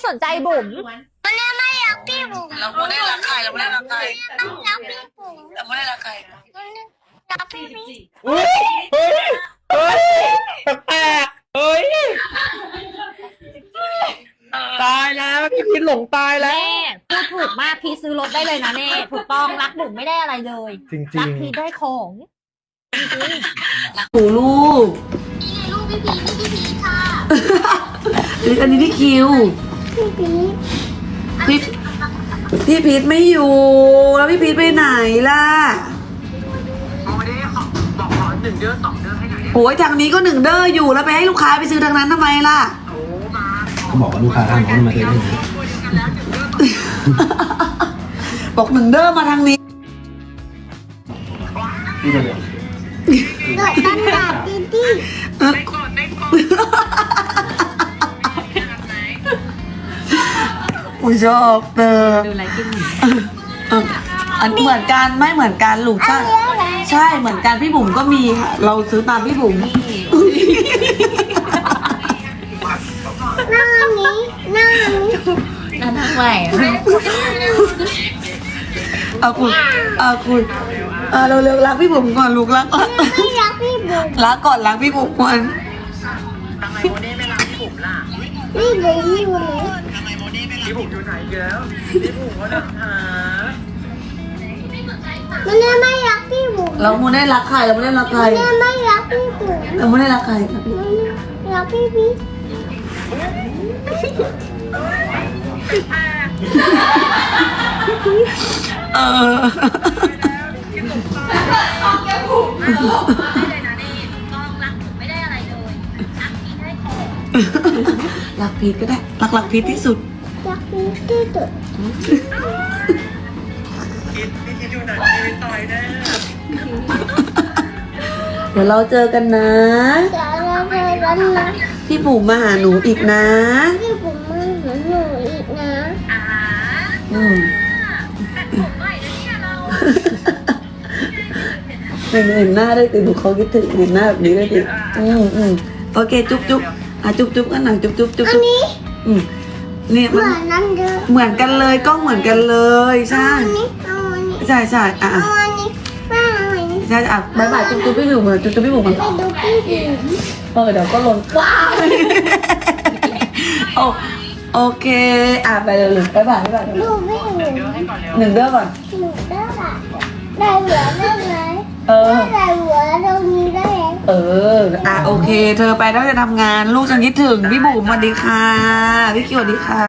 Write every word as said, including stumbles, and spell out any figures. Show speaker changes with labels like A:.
A: สนใจบุ๋ม
B: มันไม่รักพี่บุ๋ม
C: เราไม่ได้รักใครเราไม่ได้รักใคร
B: รักพี่บุ๋ม
C: เราไม่ได้รักใคร
B: รักพี่พี่
D: เฮ้ยเฮ้ยเฮ้ยแปลกๆเฮ้ยตายแล้วพี่พีทหลงตายแล้ว
A: เน่พูดถูกมากพีซื้อรถได้เลยนะเน่ถูกต้องรักบุ๋มไม่ได้อะไรเลย
D: จริง
A: รักพีได้ของจริง
E: หนูลูก
B: นี่ลูกพี่พีพี่พีค่ะ
E: อันนี้พี่คิว
B: พี่พี
E: พี่พี่พีทไม่อยู่ แล้วพี่พีทไปไหนล่ะ
C: เอาไม่ได้บอกขอหนึ่งเดือนสองเดือนให้หน่อย
E: โอ้ยทางนี้ก็หนึ่งเด้ออยู่แล้วไปให้ลูกค้าไปซื้อทางนั้นทำไมล่ะ
C: โอ้มา
F: เขาบอกว่าลูกค้าทางโน้นมาซื้อได้ไหม
C: คุยกันแล้วหนึ่งเดือน
E: บอกหนึ่งเด้อมาทางนี้
F: พี่จะเดี๋ยว
B: เกิดตั้งแต่ดีดี
C: ได้ก่อนได้ก่อน
E: อุ้ยชอบเธอ
A: ดูไรกิน
E: เอออันเหมือนกันไม่เหมือนกันลูกใช่ใช่เหมือนกันพี่บุ๋มก็มีค่ะ เราซื้อตามพี่บุ๋ม
B: หน้านี้หน้านี้
A: นั่นทางไหน
E: เอาคุณเอาคุณเอาเราเร็วๆรักพี่บุ๋มก่อนลูกรักก่อน
B: ไม่รักพี่บุ๋ม
E: รักก่อนรักพี่บุ๋มก่อน
C: ทำไมโมเน่ไม่รักพี่บุ๋มล่ะ
B: พี่บุ๋มอยู่ไหน
C: ทำไมโมเน่ไม่รักพี่บุ๋มอยู่ไหนอีกแล้วพี่บุ๋มก็ดังหา
B: มันไม่รักพี่บุ๋ม
E: เราไม่ได้รักใครเราไม่ได้รักใคร
B: มันไม่รักพี่บุ๋ม
E: เราไม่ได้รักใคร
B: มันรักพี่พี่
E: เออรักพีทก็ได้รักรักพีทที่สุด
B: รักพี่ที่สุด
C: คิดพี่คิดอยู่ไหนพี่ต่อยแน่
E: เดี๋ยวเราเจอกันนะ
B: จะรักเธอรันนะ
E: พี่บุ๋มมาหาหนูอีกนะ
B: พี่บุ๋มมาหาหนูอีกนะ
E: อืมเห็นเห็นหน้าได้ติหนูเขาคิดถึงเห็นหน้าแบบนี้ได้ติอืมอืมโอเคจุ๊บจุ๊บอ่ะจุ๊บจุ๊บกันหน่อยจุ๊บจุ๊บจุ๊บ
B: อัน
E: จุ๊บ
B: นี้
E: อืมเนี่ย
B: เห
E: มัน
B: มือนนั่นเด้อ
E: เหมือนกันเลยกล้องเหมือนกันเลยใช่
B: เอาอันนี้เอาอันนี้
E: ใช่ใช่อ่ะ
B: เอาอันนี้ไม่เอาอันนี้
E: ใช่อ่ะบายบายจุ๊บจุ๊บพี่บุ๋มเหมือนจุ๊บจุ๊บพี่บุ๋มก่อน
B: ไปดูพี่บุ๋ม
E: เออเดี๋ยวก็ลงว้าวโอโอเคอ่ะไปเลยบายบายบายบาย
B: ดูพี่บุ๋ม
E: หนึ่งเด้อก่อน
B: หนูได้ละได้หัวได้ไหม
E: เออ
B: ได้หัวตรงนี้ได้ไหม
E: เออ อ่ะโอเค เธอไปแล้วจะทำงาน ลูกฉันคิดถึง พี่บุ๋มสวัสดีค่ะ พี่คิวสวัสดีค่ะ